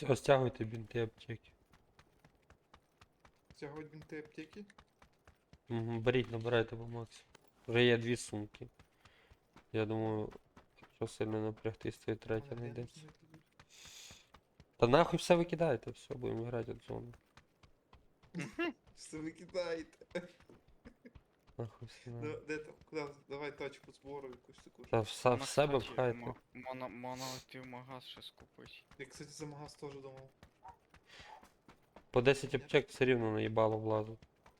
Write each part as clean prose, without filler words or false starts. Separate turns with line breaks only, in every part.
Все, стягуйте бінти аптеки.
Стягувати бінти аптеки?
Угу, беріть, набирайте по максимуму. Вже є 2 сумки. Я думаю, якщо сильно напрягтись, то і третя знайдеться. Та нахуй все викидайте, все, будемо грати в зону.
Все викидаєте.
Нахуй все
Да,
надо.
де там? Куди? Давай точку збору якусь таку.
Та в себе пхайте.
Монолитив-магаз ще скупить.
Я, кстати, за магаз теж думав.
По 10 аптек все рівно наїбало влазить.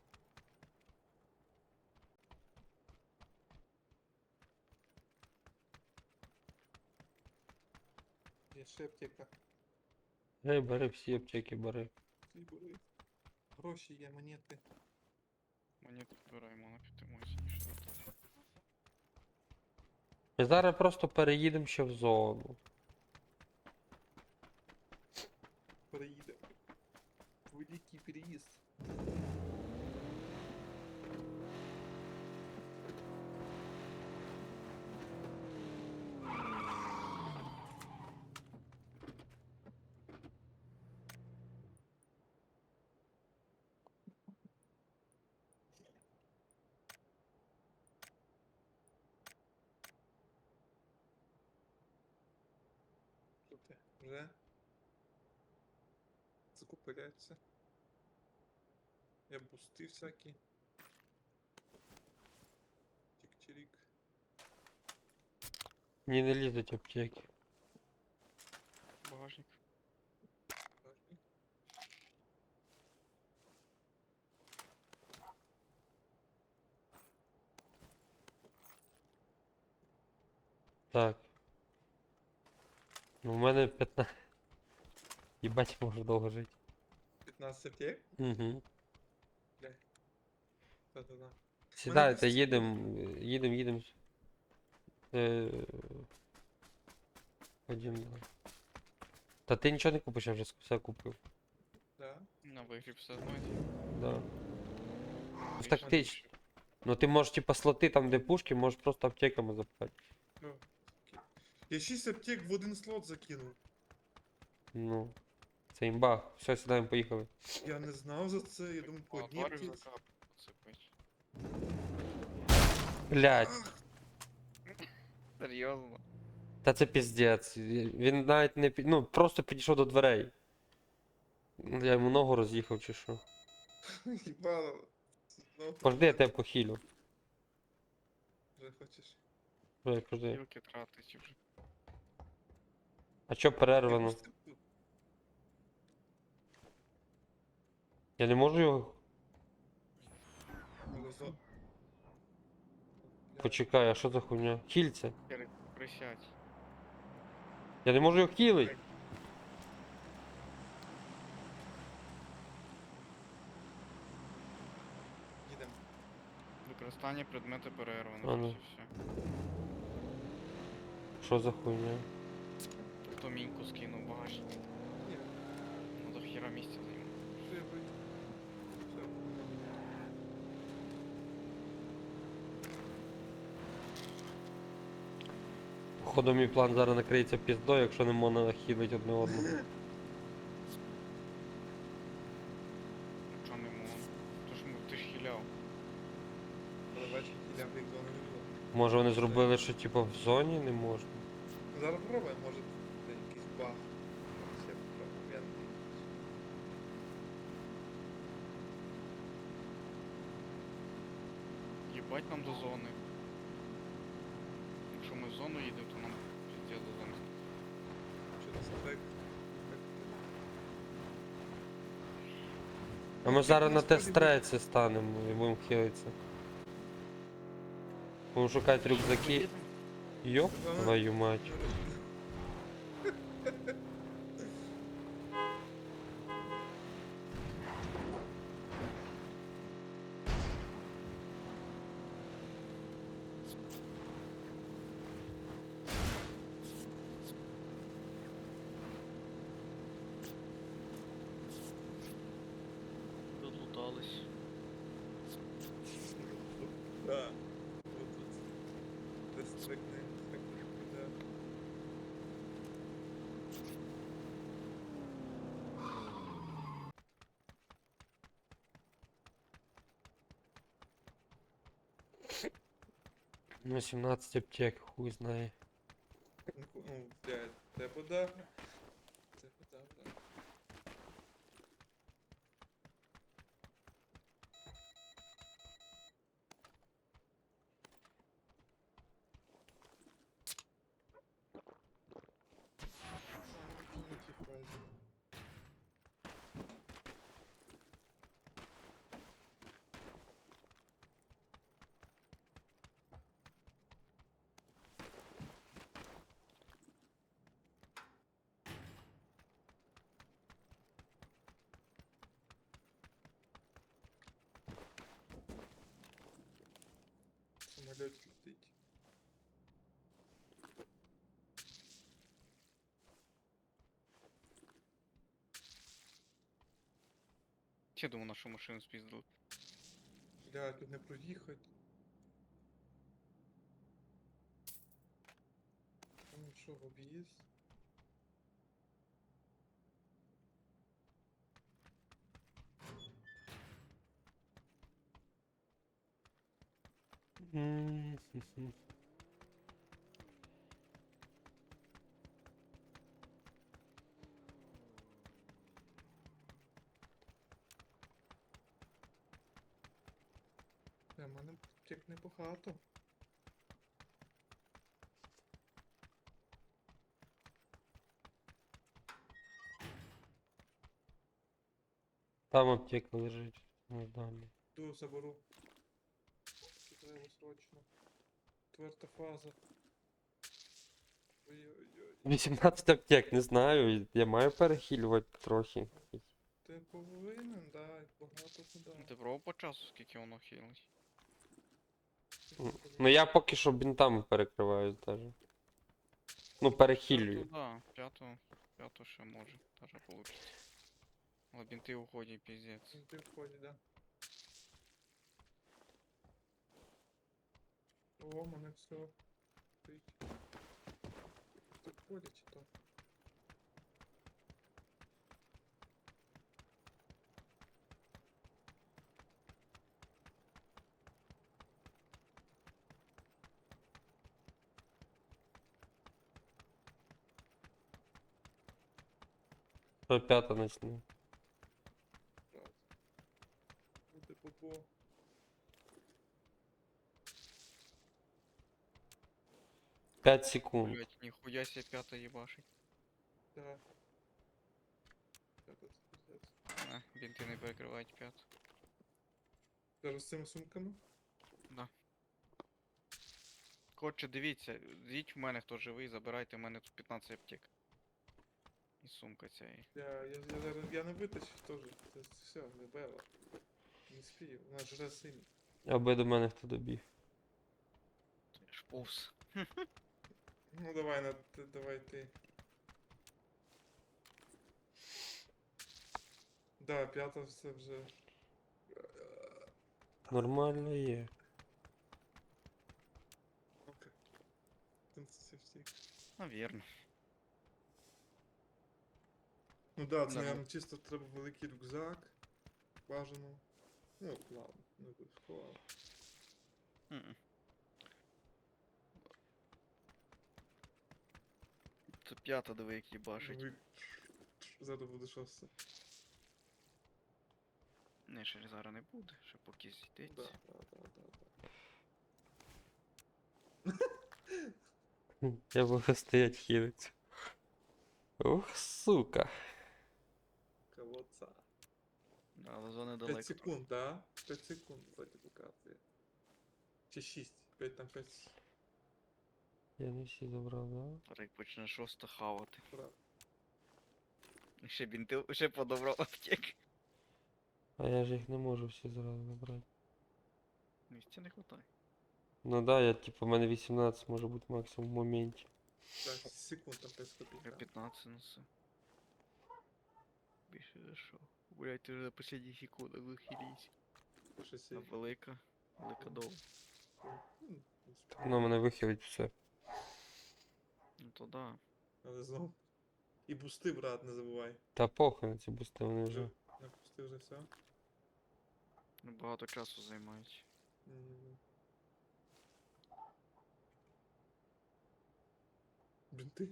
Є ще аптека.
Ей, бери всі аптеки, бери.
Ти бери. Гроші є, монети.
Мені підбираємо на підтримується, ніж вертати.
Ми зараз просто переїдемо ще в зону.
Переїде. Великий переїзд. Що ти? Вже? Закупляється. Я бусти всякі. Чик-чирик.
Мені не лізуть аптеки.
Багажник.
Важний.
Так. Ну, у мене 15. Їбать, можу довго жити.
15 аптек?
Угу.
Да-да-да.
Сідайте,
бусти
їдемо. Ходім, да. Та ти нічого не купиш, я вже все купив.
Да.
На вигріб все знаєте.
Да.
Більше
тактично.
ніж-
Ну ти можеш типа слоти там, де пушки, можеш просто аптеками запхати.
Ну, окей. Я 6 аптек в один слот закинув.
Ну. Це імба. Все, сідаємо, поїхали.
Я не знав за це, я думаю, по одній
Тварів
аптеці.
закапать.
Блять.
Ах,
Серйозно?
Та це піздець. Він навіть не ну, просто підійшов до дверей. Я йому ногу роз'їхав чи що.
їбало. Знову
Пожди, я тебе похилю.
вже хочеш.
Пожди.
Тілки тратить вже.
А чо перервано?
Я просто-
Я не можу його.
Розо-
Почекай, а що за хуйня? Хільце.
Присядь.
Я не можу його хілить.
Їдемо.
Використання предмети
А
перервано.
ну.
Ось і все.
Що за хуйня?
Хто міньку скинув багажник.
Ні,
Ну до хіра місця займу.
що я вийду. Все.
Походу мій план зараз накриється піздою, якщо не можна хілить одне одного.
Чого не можу? Ти ж хіляв.
Але бачиш, їдемо в їх зону не було.
Може вони зробили, що типу в зоні не можна?
Зараз пробуємо, може це якийсь баг. Зараз я попробую. Я не знаю.
Єбать нам до зони. Якщо ми в зону їдемо, то нам піздець до зони.
Що нас трек?
А ми зараз на тест-треці станемо і будемо хилитися. Будемо шукати рюкзаки. Йоп, твою мать.
Додлутались.
Да. Вот тут. Тест-трек не да.
Ну, 17 аптек, хуй знає.
Ну, блядь, тебе да. Тебе да, да. На тій фазі. Самолет летить.
Я думаю, нашу машину спіздили.
Бля, тут не проїхать. Ну що, в об'їзд?
М-м-м.
Бля, в мене аптек небагато.
Там аптека лежить. Ну, далі.
Ту заберу. Треба срочно. Четверта фаза. Ой-ой-ой.
18 аптек, не знаю. Я маю перехилювати трохи.
Ти повинен, да, і багато куди.
Ти пробував по часу, скільки воно хилить?
Ну я поки що бінтами перекриваю даже. Ну, перехилюю.
Да, п'яту ще може, даже получится. Але бінти уходять, піздець.
Ти входить, да. О, мене все. Тут ходять чи то?
Що п'ята начну.
Раз. Буде попо.
5 секунд.
Блять, ніхуя себе п'ята їбашить.
Да. П'ята це пиздець.
Бінти не перекривають п'яту.
Зараз з цими сумками?
Да. Коротше, дивіться, йдіть в мене, хто живий, забирайте в мене тут 15 аптек. І сумка ця.
Я не витащив теж. Це все, не бела. Не спію, вона жре сильно.
Аби до мене хто добіг.
Шповз.
Ну давай, давай ти. Да, п'ята це вже.
Нормально є.
Окей. Там це всі.
Навірно.
Ну да, це,
Да,
наверное, чисто треба великий рюкзак. Бажано. Ну, ладно, не обов'язково.
Мгм. Це п'ята, диви, як їбашить.
Ви- Зараз буде шосте.
Не, ще зараз не буде, ще поки
Да,
зійдеться.
да.
Я буду стоять хилиться. Ух, сука.
Колодца.
Да, але зони
5
далеко.
секунд, да? 5 секунд вроде показує. Чи 6? 5 там 5.
Я не всі забрав, да?
Рик почне шосто хавати.
Правда.
І ще бінти, ще подобрав аптек.
А я ж їх не можу всі зразу забрати.
Місця не хватає.
Ну да, я типу, в мене 18 може бути максимум в моменті.
5 секунд там 5 копійок.
Я 15 несу. Більше за що? Блять, ти вже на последніх секундах вихились.
Щось
А
я-
велика довга.
Ну,
Воно мене вихилить все.
Ну то да.
Але знову. І бусти, брат, не забувай.
Та похуй на ці бусти, вони вже.
На бусти вже все.
Ну, багато часу займають.
М. Бинты.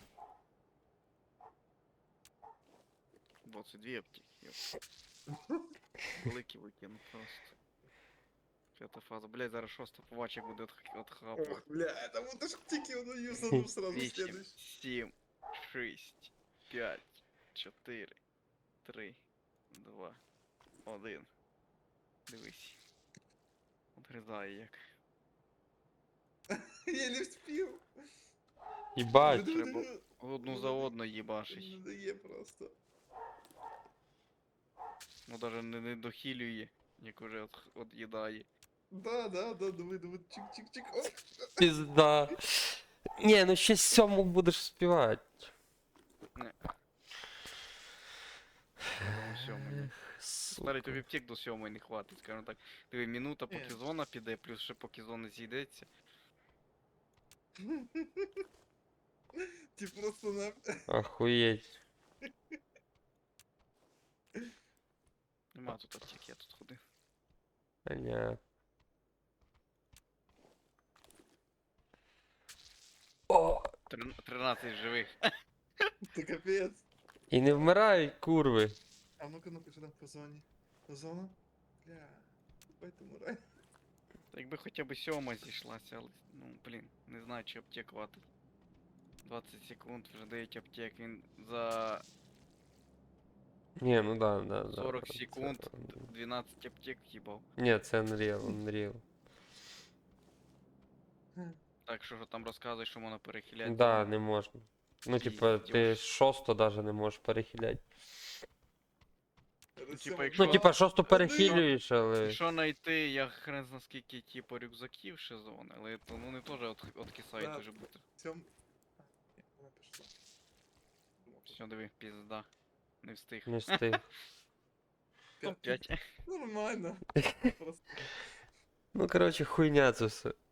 22 аптеки. Йоп. Великий викинув просто. П'ята фаза. Блядь, зараз шоста побачик буде от хапу.
Ох, бля, это вот аж тики, он юзанул сразу
8,
следующий.
7, 6, 5, 4, 3, 2, 1. Дивись. Отрізає як.
Я не успел.
Їбать.
Треба одну за одну їбашить.
Надоє просто.
Ну даже не дохилює, як уже от'їдає.
Да, давай, чик-чик-чик. Оп.
Пізда. Ні, ну ще 7 будеш співати.
Тому 7. Старий, тобі втік до 7 не хватить, скажімо так. Диви, минута, поки
Ні.
зона піде, плюс ще поки зона зійдеться.
Ти просто на...
Охуєть.
Нема тут аптек, я тут ходив.
Понятно. О!
13 живих.
Це капець.
І не вмирають, курви.
А ну-ка, що там по зоні? По зона? Бля, поэтому рай.
Якби хоча б 7 зійшлася, але, ну, блін, не знаю, чи аптек хватить. 20 секунд, вже 9 аптек, він за
Ні, ну да.
40
це-
секунд 12 аптек в'їбав.
Ні, це Unreal.
Так що там розказуєш, що можна перехиляти.
Да, не можна. Ну, типа, ти
Пиздёж.
6 даже не можеш перехиляти.
типа, якщо-
Ну, типа, 6 перехилюєш, але.
Якщо знайти, я хрен зна скільки, типу, рюкзаків ще зони, але то, ну, вони теж откисають
Да.
дуже быстро.
Сьом... А, ні, вона пішла. Думав,
Все, диви, пізда. Не встиг.
Не встиг.
П'ять.
Топ-5.
Нормально. Просто...
Ну, коротше, хуйня це все.